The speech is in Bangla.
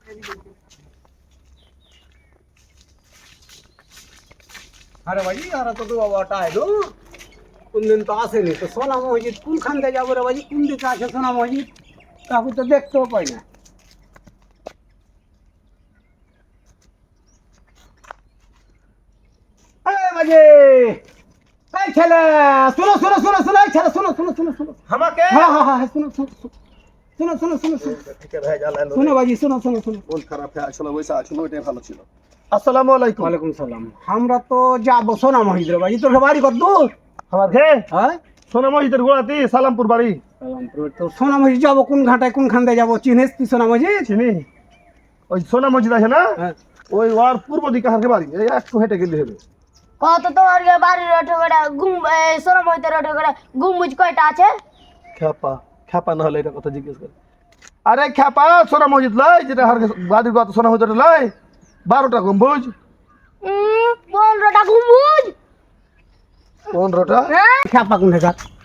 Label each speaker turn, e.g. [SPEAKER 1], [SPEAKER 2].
[SPEAKER 1] अरे भाई यार तो बाबाटा आहे तो কোন দিন তো আসেনি তো সোনা মসজিদ কোনখান দিয়ে যাবো রে বাজি কোন দিকে আছে সোনা মসজিদ কাকু তো দেখতেও পাই না বাজে এই ছেলে শোনো শোনো শোনো শোনো এই ছেলে শোনো শোনো শোনো শোনো
[SPEAKER 2] আমাকে
[SPEAKER 1] হ্যাঁ হ্যাঁ হ্যাঁ শোনো শোনো শোনো শোনো শোনো শোনো
[SPEAKER 2] ঠিক আছে ভাই জ্বালালো
[SPEAKER 1] শোনো বাজি শোনো শোনো শোনো
[SPEAKER 2] কোন খারাপ হয়ে আসলে ওইসা আসলে ওইটাই ভালো ছিল। আসসালামু আলাইকুম।
[SPEAKER 1] ওয়ালাইকুম সালাম আমরা তো যাবো সোনা মসজিদ রে বাজি তোর বাড়ি কত দূর
[SPEAKER 2] আমার ঘে
[SPEAKER 1] হ্যাঁ
[SPEAKER 2] সোনা মসজিদের গোড়াতে সালামপুর বাড়ি।
[SPEAKER 1] তো সোনা মসজিদ যাবো কোন ঘাটায় কোনখান দিয়ে যাবো চিনিস তুই সোনা মসজিদ
[SPEAKER 2] চিনি ওই সোনা মসজিদ আছে না
[SPEAKER 1] হ্যাঁ
[SPEAKER 2] ওই ওর পূর্ব দিকে হারকে বাড়ি এই একটু হেঁটে গেলে হবে।
[SPEAKER 3] কত তোমার বাড়ির ওঠে সোনা মহিতের ওঠে গুম্বুজ কয়টা আছে?
[SPEAKER 2] খ্যাপা খ্যাপা না হলে এটা কথা জিজ্ঞেস করে। আরে খ্যাপা সোনা মসজিদ লয় যেটা হারকে বাড়ির কথা সোনা মসজিদ লয় 12টা গম্বুজ
[SPEAKER 3] 15টা গুম্বুজ
[SPEAKER 2] 15টা
[SPEAKER 3] হ্যাঁ
[SPEAKER 1] খ্যাপা কোন ঘাট